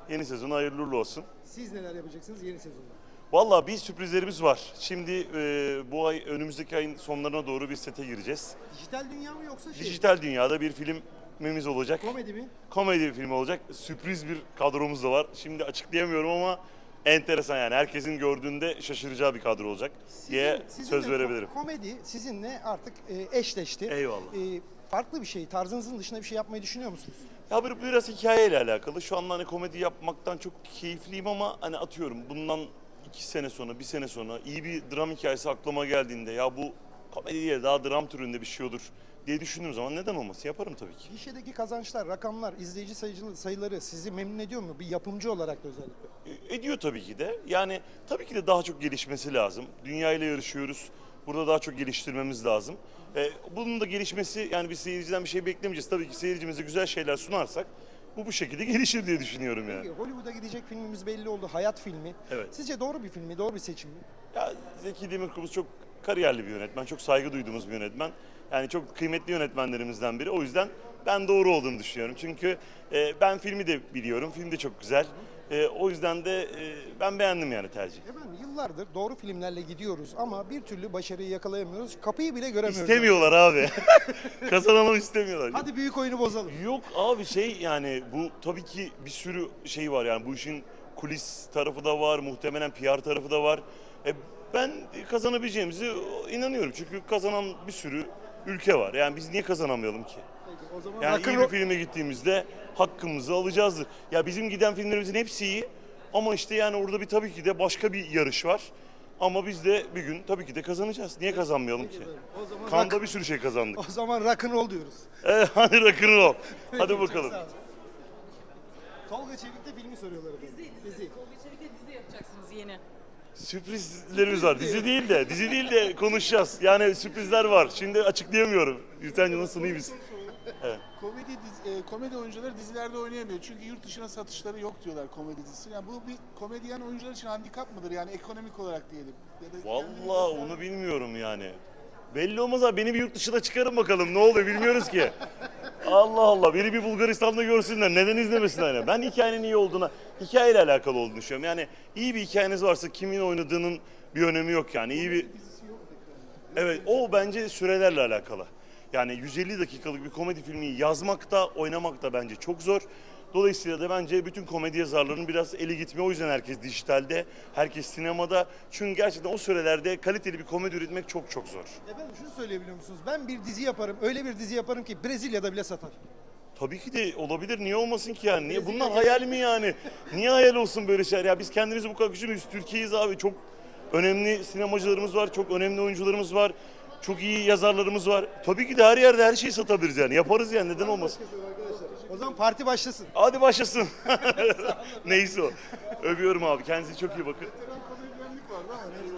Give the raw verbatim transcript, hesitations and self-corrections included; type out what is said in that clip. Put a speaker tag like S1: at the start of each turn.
S1: Yeni sezon hayırlı uğurlu olsun.
S2: Siz neler yapacaksınız yeni sezonda?
S1: Vallahi bir sürprizlerimiz var. Şimdi e, bu ay önümüzdeki ayın sonlarına doğru bir sete gireceğiz.
S2: Dijital dünya mı yoksa şey?
S1: Dijital dünyada bir filmimiz olacak.
S2: Komedi mi?
S1: Komedi bir film olacak. Sürpriz bir kadromuz da var. Şimdi açıklayamıyorum ama enteresan yani. Herkesin gördüğünde şaşıracağı bir kadro olacak diye söz
S2: sizinle
S1: verebilirim.
S2: Komedi sizinle artık e, eşleşti.
S1: Eyvallah.
S2: E, farklı bir şey, tarzınızın dışında bir şey yapmayı düşünüyor musunuz?
S1: Ya bir, biraz hikayeyle alakalı. Şu anda hani komedi yapmaktan çok keyifliyim ama hani atıyorum bundan iki sene sonra, bir sene sonra iyi bir dram hikayesi aklıma geldiğinde ya bu komedi değil daha dram türünde bir şey olur diye düşündüğüm zaman neden olmasın yaparım tabii ki.
S2: Gişedeki kazançlar, rakamlar, izleyici sayıcı- sayıları sizi memnun ediyor mu? Bir yapımcı olarak da özellikle.
S1: E, Ediyor tabii ki de. Yani tabii ki de daha çok gelişmesi lazım. Dünya ile yarışıyoruz. Burada daha çok geliştirmemiz lazım. E, bunun da gelişmesi yani biz seyirciden bir şey beklemeyeceğiz. Tabii ki seyircimize güzel şeyler sunarsak bu bu şekilde gelişir diye düşünüyorum yani.
S2: Peki, Hollywood'a gidecek filmimiz belli oldu. Hayat filmi.
S1: Evet.
S2: Sizce doğru bir film mi? Doğru bir seçim mi?
S1: Ya Zeki Demirkubuz çok kariyerli bir yönetmen, çok saygı duyduğumuz bir yönetmen. Yani çok kıymetli yönetmenlerimizden biri. O yüzden ben doğru olduğunu düşünüyorum. Çünkü e, ben filmi de biliyorum, film de çok güzel. E, o yüzden de e, ben beğendim yani tercih.
S2: Efendim yıllardır doğru filmlerle gidiyoruz ama bir türlü başarıyı yakalayamıyoruz. Kapıyı bile göremiyoruz.
S1: İstemiyorlar abi. Kazanalım istemiyorlar.
S2: Hadi büyük oyunu bozalım.
S1: Yok abi şey yani bu tabii ki bir sürü şey var yani bu işin kulis tarafı da var, muhtemelen P R tarafı da var. E, ben kazanabileceğimize inanıyorum çünkü kazanan bir sürü ülke var. Yani biz niye kazanamayalım ki?
S2: Peki, o zaman
S1: Yani iyi
S2: rock'n'roll-
S1: bir filme gittiğimizde hakkımızı alacağızdır. Ya bizim giden filmlerimizin hepsi iyi ama işte yani orada bir tabii ki de başka bir yarış var. Ama biz de bir gün tabii ki de kazanacağız. Niye kazanmayalım ki?
S2: O zaman
S1: Kanda
S2: rock-
S1: bir sürü şey kazandık.
S2: O zaman rock'n'roll diyoruz.
S1: Evet, hadi rock'n'roll. Hadi
S2: Çok
S1: bakalım.
S2: sağ olun. Tolga Çevik'te filmi soruyorlar efendim. Dizi.
S3: Tolga Çevik'le dizi yapacaksınız yeni.
S1: Sürprizlerimiz var. Dizi değil de, dizi değil de konuşacağız. Yani sürprizler var. Şimdi açıklayamıyorum. Gülten nasılsın, iyi misin? Evet.
S4: Komedi dizi- e, komedi oyuncuları dizilerde oynayamıyor. Çünkü yurt dışına satışları yok diyorlar komedi dizisi. Yani bu bir komedyen oyuncular için handikap mıdır? Yani ekonomik olarak diyelim. Ya da kendini
S1: Vallahi
S4: göstermek-
S1: onu bilmiyorum yani. Belli olmaz abi. Beni bir yurt dışına çıkarın bakalım. Ne oluyor bilmiyoruz ki. Allah Allah. Beni bir Bulgaristan'da görsünler. Neden izlemesinler? Yani? Ben hikayenin iyi olduğuna, hikayeyle alakalı olduğunu düşünüyorum. Yani iyi bir hikayeniz varsa kimin oynadığının bir önemi yok yani. İyi bir... Evet, o bence sürelerle alakalı. Yani yüz elli dakikalık bir komedi filmi yazmak da oynamak da bence çok zor. Dolayısıyla da bence bütün komedi yazarlarının biraz eli gitmiyor. O yüzden herkes dijitalde, herkes sinemada. Çünkü gerçekten o sürelerde kaliteli bir komedi üretmek çok çok zor.
S2: Efendim şunu söyleyebiliyor musunuz? Ben bir dizi yaparım, öyle bir dizi yaparım ki Brezilya'da bile satar.
S1: Tabii ki de olabilir. Niye olmasın ki yani? Niye? Bunlar hayal mi yani? Niye hayal olsun böyle şeyler? Ya biz kendimizi bu kadar küçümüyoruz. Türkiye'yiz abi. Çok önemli sinemacılarımız var. Çok önemli oyuncularımız var. Çok iyi yazarlarımız var. Tabii ki de her yerde her şeyi satabiliriz yani. Yaparız yani. Neden olmasın?
S2: O zaman parti başlasın.
S1: Hadi başlasın. Neyse o. Öpüyorum abi. Kendinize çok iyi bakın.
S4: Komedyenlik vardı ama neyse.